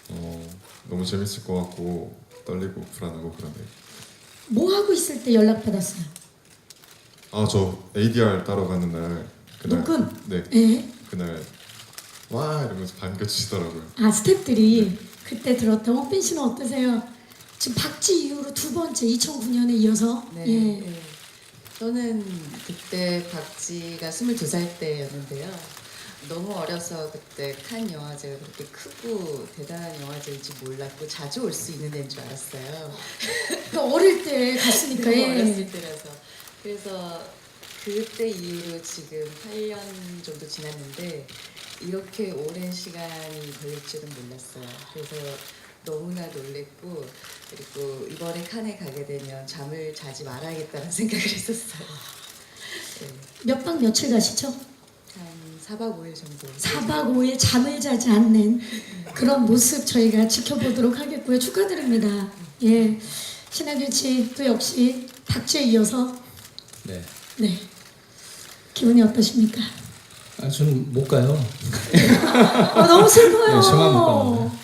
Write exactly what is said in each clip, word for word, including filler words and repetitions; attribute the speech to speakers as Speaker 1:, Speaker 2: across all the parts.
Speaker 1: 어, 너무 재밌을 것 같고 떨리고 불안하고 그러네요.
Speaker 2: 뭐 하고 있을 때 연락 받았어요?
Speaker 1: 아, 저 에이디알 따러 가는 날 그날
Speaker 2: 녹음?
Speaker 1: 네
Speaker 2: 예.
Speaker 1: 그날 와 이러면서 반겨주시더라고요.
Speaker 2: 아 스태프들이 그때 들었던 홍빈 씨는 어떠세요? 지금 박쥐 이후로 두 번째 이천구 년에 이어서
Speaker 3: 네,
Speaker 2: 예.
Speaker 3: 네. 저는 그때 박지가 스물두 살 때였는데요. 너무 어려서 그때 칸 영화제가 그렇게 크고 대단한 영화제인지 몰랐고 자주 올 수 있는 데인 줄 알았어요.
Speaker 2: 그 어릴 때 갔으니까
Speaker 3: 너무
Speaker 2: 예.
Speaker 3: 어렸을 때라서. 그래서 그때 이후로 지금 팔 년 정도 지났는데 이렇게 오랜 시간이 걸릴 줄은 몰랐어요. 그래서 너무나 놀랬고 그리고 이번에 칸에 가게 되면 잠을 자지 말아야겠다는 생각을 했었어요. 네.
Speaker 2: 몇 박 며칠 가시죠?
Speaker 3: 한 사 박 오 일 정도.
Speaker 2: 사 박 오 일 잠을 자지 않는 그런 모습 저희가 지켜보도록 하겠고요. 축하드립니다. 예. 신하균 씨도 역시 박쥐에 이어서
Speaker 4: 네.
Speaker 2: 네. 기분이 어떠십니까?
Speaker 4: 아, 저는 못 가요.
Speaker 2: 아, 너무 슬퍼요.
Speaker 4: 네, 저만 못 갑니다.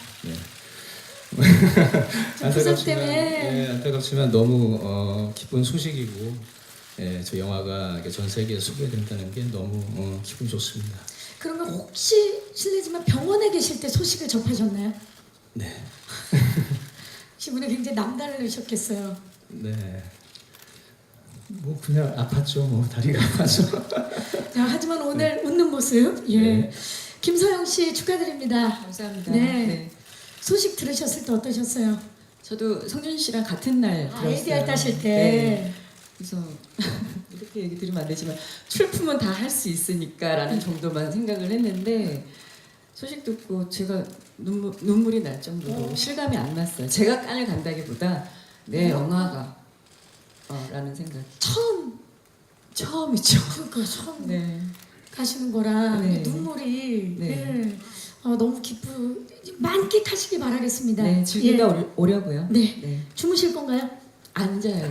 Speaker 4: 네.
Speaker 2: 부상 때문에.
Speaker 4: 예, 안타깝지만 너무 어, 기쁜 소식이고, 예, 저 영화가 이렇게 전 세계에 소개된다는 게 너무 어, 기분 좋습니다.
Speaker 2: 그러면 혹시 실례지만 병원에 계실 때 소식을 접하셨나요?
Speaker 4: 네,
Speaker 2: 기분이 굉장히 남다르셨겠어요.
Speaker 4: 네. 뭐 그냥 아팠죠. 뭐 다리가 아파서.
Speaker 2: 자, 하지만 오늘 웃는 모습, 예.
Speaker 4: 네.
Speaker 2: 김서영 씨 축하드립니다.
Speaker 3: 감사합니다.
Speaker 2: 네. 소식 들으셨을 때 어떠셨어요?
Speaker 3: 저도 성준 씨랑 같은 날
Speaker 2: 아,
Speaker 3: 들었어요.
Speaker 2: 에이디알 따실 때.
Speaker 3: 네. 그래서 이렇게 얘기 드리면 안 되지만 출품은 다 할 수 있으니까라는 정도만 생각을 했는데 소식 듣고 제가 눈물, 눈물이 날 정도로
Speaker 2: 어.
Speaker 3: 실감이 안 났어요. 제가 깐을 간다기보다 내 영화가 어, 라는 생각.
Speaker 2: 처음,
Speaker 3: 처음이죠.
Speaker 2: 그러니까 처음
Speaker 3: 네.
Speaker 2: 가시는 거라
Speaker 3: 네.
Speaker 2: 눈물이
Speaker 3: 네.
Speaker 2: 예. 어, 너무 기쁘 만끽하시기 바라겠습니다.
Speaker 3: 네, 즐기다
Speaker 2: 예.
Speaker 3: 오- 오려고요.
Speaker 2: 네.
Speaker 3: 네.
Speaker 2: 주무실 건가요?
Speaker 3: 앉아야죠.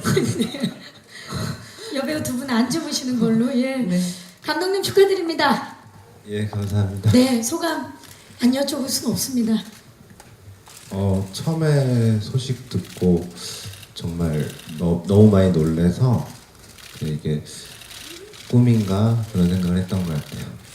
Speaker 2: 여배우 두 분 안 주무시는 걸로. 예.
Speaker 3: 네.
Speaker 2: 감독님 축하드립니다.
Speaker 5: 예, 감사합니다.
Speaker 2: 네, 소감 안 여쭤볼 수는 없습니다.
Speaker 5: 어, 처음에 소식 듣고 정말 너, 너무 많이 놀래서 이게 꿈인가 그런 생각을 했던 것 같아요.